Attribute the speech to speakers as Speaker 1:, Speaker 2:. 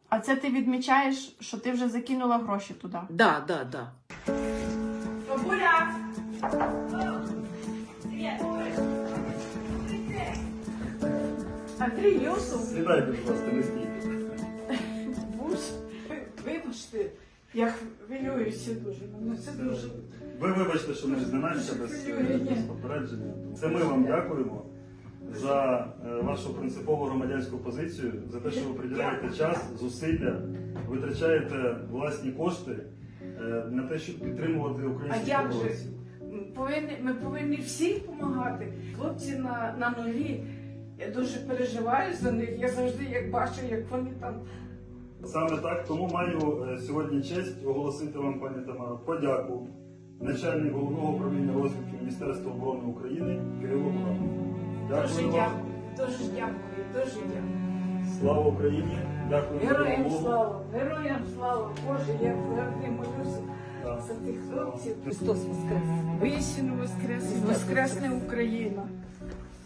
Speaker 1: А це ти відмічаєш, що ти вже закинула гроші туди?
Speaker 2: Да, да, да.
Speaker 1: Бабуля! Андрій Юсов,
Speaker 3: Сідайте, будь ласка, не стійте.
Speaker 1: вибачте, я хвилююся дуже. Ну, це дуже...
Speaker 3: Ви вибачте, що ми зненацька без попередження. Це ми вам дякуємо за вашу принципову громадянську позицію, за те, що ви приділяєте час, зусилля, витрачаєте власні кошти на те, щоб підтримувати
Speaker 4: А
Speaker 3: українських
Speaker 4: як же?
Speaker 3: оборонців.
Speaker 4: Ми повинні всім допомагати. Хлопці на нулі. Я дуже переживаю за них. Я завжди як бачу, як вони там.
Speaker 3: Саме так, тому маю сьогодні честь оголосити вам, пані Тамаро, подяку начальник Головного управління розвідки Міністерства оборони України Кирилу Буранову.
Speaker 4: Дуже
Speaker 3: Дякую вам.
Speaker 4: дякую, дуже дякую, дуже дякую.
Speaker 3: Слава Україні! Дякую.
Speaker 4: Героям
Speaker 3: Богу.
Speaker 4: слава, героям слава. Боже, я завжди молюся
Speaker 3: Так.
Speaker 4: за тих хлопців.
Speaker 2: Христос воскрес!
Speaker 4: Воістину воскрес, воскресне Україна.